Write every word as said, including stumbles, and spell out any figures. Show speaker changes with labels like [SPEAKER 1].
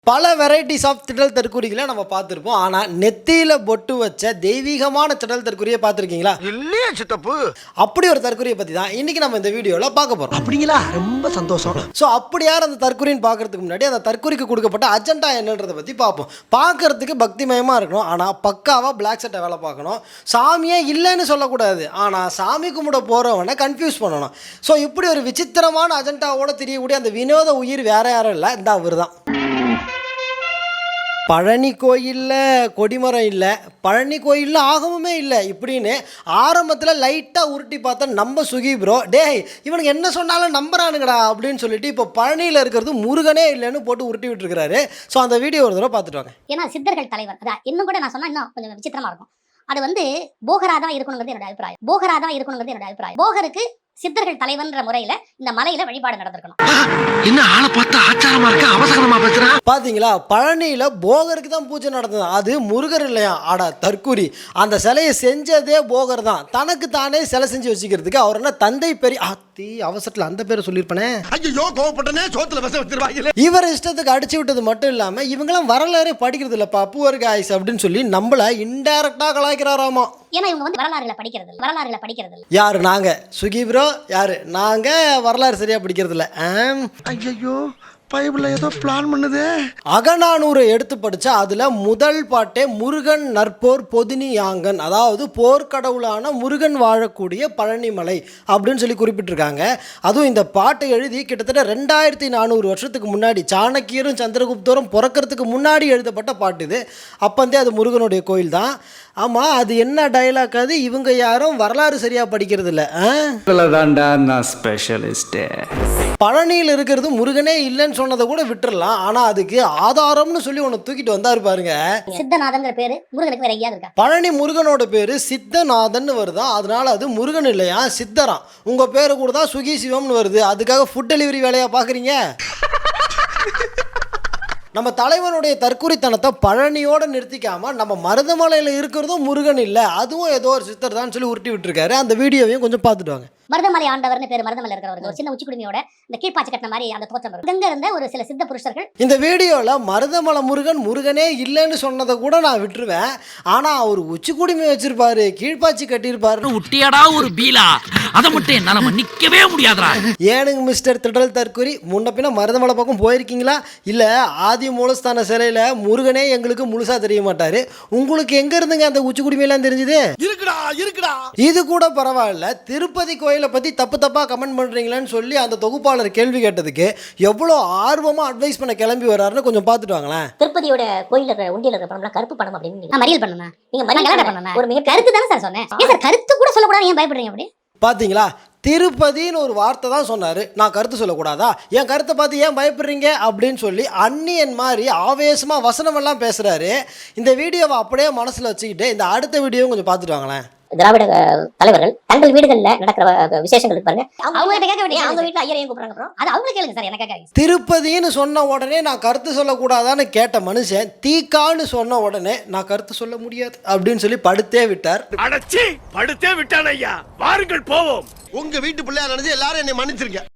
[SPEAKER 1] பல varieties of திடல் தற்கூறிகளை நம்ம பார்த்துருப்போம். ஆனால் நெத்தியில் பொட்டு வச்ச தெய்வீகமான திடல் தற்கூறியை பார்த்துருக்கீங்களா?
[SPEAKER 2] இல்லையே சித்தப்பு.
[SPEAKER 1] அப்படி ஒரு தற்கூறியை பற்றி தான் இன்னைக்கு நம்ம இந்த வீடியோவில் பார்க்க போகிறோம்.
[SPEAKER 2] அப்படிங்களா? ரொம்ப சந்தோஷம்.
[SPEAKER 1] ஸோ அப்படி யார் அந்த தற்கூறின்னு பார்க்கறதுக்கு முன்னாடி அந்த தற்கூறிக்கு கொடுக்கப்பட்ட அஜெண்டா என்னன்றதை பற்றி பார்ப்போம். பார்க்கறதுக்கு பக்திமயமாக இருக்கணும், ஆனால் பக்காவாக பிளாக் சட்டை வேலை பார்க்கணும். சாமியே இல்லைன்னு சொல்லக்கூடாது, ஆனால் சாமி கும்பிட போகிறவனை கன்ஃபியூஸ் பண்ணணும். ஸோ இப்படி ஒரு விசித்திரமான அஜெண்டாவோட தெரியக்கூடிய அந்த வினோத உயிர் வேற யாரும் இல்லை, இந்த அவர் தான். பழனி கோயிலில் கொடிமரம் இல்லை, பழனி கோயிலில் ஆகமுமே இல்லை இப்படின்னு ஆரம்பத்தில் லைட்டாக உருட்டி பார்த்தா நம்ம சுகி ப்ரோ டேய் இவனுக்கு என்ன சொன்னாலும் நம்புறானுங்கடா அப்படின்னு சொல்லிட்டு இப்போ பழனியில் இருக்கிறது முருகனே இல்லைன்னு போட்டு உருட்டி விட்டுருக்கிறாரு. ஸோ அந்த வீடியோ ஒரு தடவை பார்த்துட்டு வாங்க.
[SPEAKER 3] ஏன்னா சித்தர்கள் தலைவர் அதான் இன்னும் கூட நான் சொன்னா இன்னும் கொஞ்சம் விசித்திரமா இருக்கும். அது வந்து போகரா தான் இருக்கணுங்கிறது என்னோட அபிப்பிராயம். போகரா தான் இருக்கணுங்கிறது என்னோட அபிப்பிராயம். போகருக்கு சித்தர்கள் தலைவன்ற முறையில இந்த மலையில வழிபாடு நடந்திருக்கணும்.
[SPEAKER 2] என்ன ஆளை பார்த்தா ஆச்சாரமா இருக்க, அவசரமா பேசுறான்.
[SPEAKER 1] பாத்தீங்களா, பழனியில போகருக்கு தான் பூஜை நடந்தது, அது முருகர் இல்லையா? ஆடா தற்கூரி, அந்த சிலையை செஞ்சதே போகர் தான். தனக்கு தானே சிலை செஞ்சு வச்சுக்கிறதுக்கு அவர் என்ன தந்தை பெரிய அத்தி அவசரத்துல அந்த பேரை சொல்லியிருப்பனே.
[SPEAKER 2] ஐயோ கோவப்பட்டனே, சோத்துல விச வச்சிருவாங்க.
[SPEAKER 1] இவர் இஷ்டத்துக்கு அடிச்சு விட்டது மட்டும் இல்லாம இவங்கெல்லாம் வரலாறே படிக்கிறது இல்லப்பா புவர் காய்ஸ் அப்படின்னு சொல்லி நம்மள இன்டைரக்டா கலாய்க்கிறாராமா.
[SPEAKER 3] ஏன்னா இவங்க வந்து வரலாறுல படிக்கிறது இல்லை, வரலாறுல படிக்கிறது இல்லை.
[SPEAKER 1] யாரு? நாங்க சுகி ப்ரோ. யாரு? நாங்க வரலாறு சரியா படிக்கிறது இல்லை.
[SPEAKER 2] ஐயோ பைபிள்ல ஏதோ பிளான் பண்ணுதே.
[SPEAKER 1] அகநானூரை எடுத்து படிச்சா அதுல முதல் பாட்டே முருகன் நற்போர் பொதினி யாங்கன், அதாவது போர்க்கடவுளான முருகன் வாழக்கூடிய பழனிமலை அப்படின்னு சொல்லி குறிப்பிட்டிருக்காங்க. அதுவும் இந்த பாட்டை எழுதி கிட்டத்தட்ட ரெண்டாயிரத்தி நானூறு வருஷத்துக்கு முன்னாடி சாணக்கியரும் சந்திரகுப்தரும் பிறக்கிறதுக்கு முன்னாடி எழுதப்பட்ட பாட்டு இது. அப்பந்தே அது முருகனுடைய கோயில் தான். ஆமா, அது என்ன டைலாக்? அது இவங்க யாரும் வரலாறு சரியா படிக்கிறது இல்லை. பழனியில் இருக்கிறது முருகனே இல்லைன்னு சொன்னதை கூட விட்டுறலாம், ஆனா அதுக்கு ஆதாரம்னு சொல்லி ஒன்று தூக்கிட்டு வந்தாரு பாருங்க.
[SPEAKER 3] சித்தநாதங்கிற பேரு முருகனுக்கு வேற எங்கேயாவது இருக்கா?
[SPEAKER 1] பழனி முருகனோட பேரு சித்தநாதன் வருதா, அதனால அது முருகன் இல்லையா சித்தராம். உங்க பேரு கூட தான் சுகி சிவம்னு வருது, அதுக்காக ஃபுட் டெலிவரி வேலையா பாக்குறீங்க? நம்ம தலைவனுடைய தற்குறித்தனத்தை பழனியோட நிறுத்திக்காம நம்ம மருதமலையில் இருக்கிறதும் முருகன் இல்லை, அதுவும் ஏதோ ஒரு சித்தர் தான் சொல்லி உருட்டி விட்டுருக்காரு. அந்த வீடியோவையும் கொஞ்சம் பார்த்துட்டு வாங்க.
[SPEAKER 3] மருதமலை ஆண்டவர்னு பேர், மருதமலை இருக்கிறவங்க ஒரு சின்ன உச்சிக்குடுமையோட இந்த கீழ்பாச்சி கட்டின மாதிரி அந்த தோற்றம் வரும். இங்க இருந்த ஒரு சில சித்த புருஷர்கள்
[SPEAKER 1] இந்த வீடியோல மருதமலை முருகன் முருகனே இல்லைன்னு சொன்னதை கூட நான் விட்டுருவேன், ஆனா அவர் உச்சிக்குடுமை வச்சிருப்பாரு, கீழ்பாச்சி கட்டியிருப்பாரு.
[SPEAKER 4] உட்டியாடா ஒரு பீலா, அதை மட்டும் என்னால மன்னிக்கவே முடியாதுடா.
[SPEAKER 1] ஏனுங்க மிஸ்டர் திடல் தற்கூரி, முன்ன பின்ன மருதமலை பக்கம் போயிருக்கீங்களா? இல்ல ஆதி மூலஸ்தான சிலையில முருகனே எங்களுக்கு முழுசா தெரிய மாட்டாரு, உங்களுக்கு எங்க இருந்துங்க அந்த உச்சிக்குடுமையெல்லாம் தெரிஞ்சது?
[SPEAKER 2] இருக்குடா இருக்குடா.
[SPEAKER 1] இது கூட பரவாயில்ல, திருப்பதி கோயிலை பத்தி தப்பு தப்பா கமெண்ட் பண்றீங்களான்னு சொல்லி அந்த தொகுப்பாளர் கேள்வி கேட்டதுக்கு எவ்வளவு ஆர்வமா அட்வைஸ் பண்ண கிளம்பி வர்றாருன்னு கொஞ்சம் பார்த்துட்டு வாங்களேன்.
[SPEAKER 3] திருப்பதியோட கோயில இருக்கிற உண்டியல இருக்கிற பணம்லாம் கருப்பு பணம் அப்படின்னு நான் மறியல் பண்ணேன். நீங்க மறியல் பண்ணேன், ஒரு மிக கருத்து தானே சார் சொன்னேன். ஏன் சார் கருத்து கூட சொல்லக்கூடாது, ஏன் பயப்படுறீங்க அப்படி?
[SPEAKER 1] பாத்தீங்களா, திருப்பதின்னு ஒரு வார்த்தை தான் சொன்னாரு, நான் கருத்து சொல்லக்கூடாதா? என் கருத்தை பார்த்து ஏன் பயப்படுறீங்க அப்படின்னு சொல்லி அந்நியன் மாதிரி ஆவேசமா வசனம் எல்லாம் பேசுறாரு. இந்த வீடியோவை அப்படியே மனசுல வச்சுக்கிட்டு இந்த அடுத்த வீடியோவும் கொஞ்சம் பார்த்துட்டு வாங்களேன்.
[SPEAKER 3] திராவிட தலைவர்கள் தங்கள் வீடுகள்ல நடக்கிற விசேஷங்களுக்கு பாருங்க, அவங்க கிட்ட கேட்க வேண்டிய அவங்க வீட்டுல ஐயரையும் கூப்பிடுறாங்க ப்ரோ, அது அவங்க கேளுங்க சார், எனக்கு கேட்காதீங்க.
[SPEAKER 1] திருப்பதின்னு சொன்ன உடனே நான் கருத்து சொல்லக்கூடாதான்னு கேட்ட மனுஷன் தீக்கான்னு சொன்ன உடனே நான் கருத்து சொல்ல முடியாது அப்படின்னு சொல்லி படுத்தே விட்டார்.
[SPEAKER 2] அடச்சி படுத்தே விட்டான் ஐயா. வாருங்கள் போவோம். உங்க வீட்டு பிள்ளையா நினைச்சு எல்லாரும் என்னை மன்னிச்சிருங்க.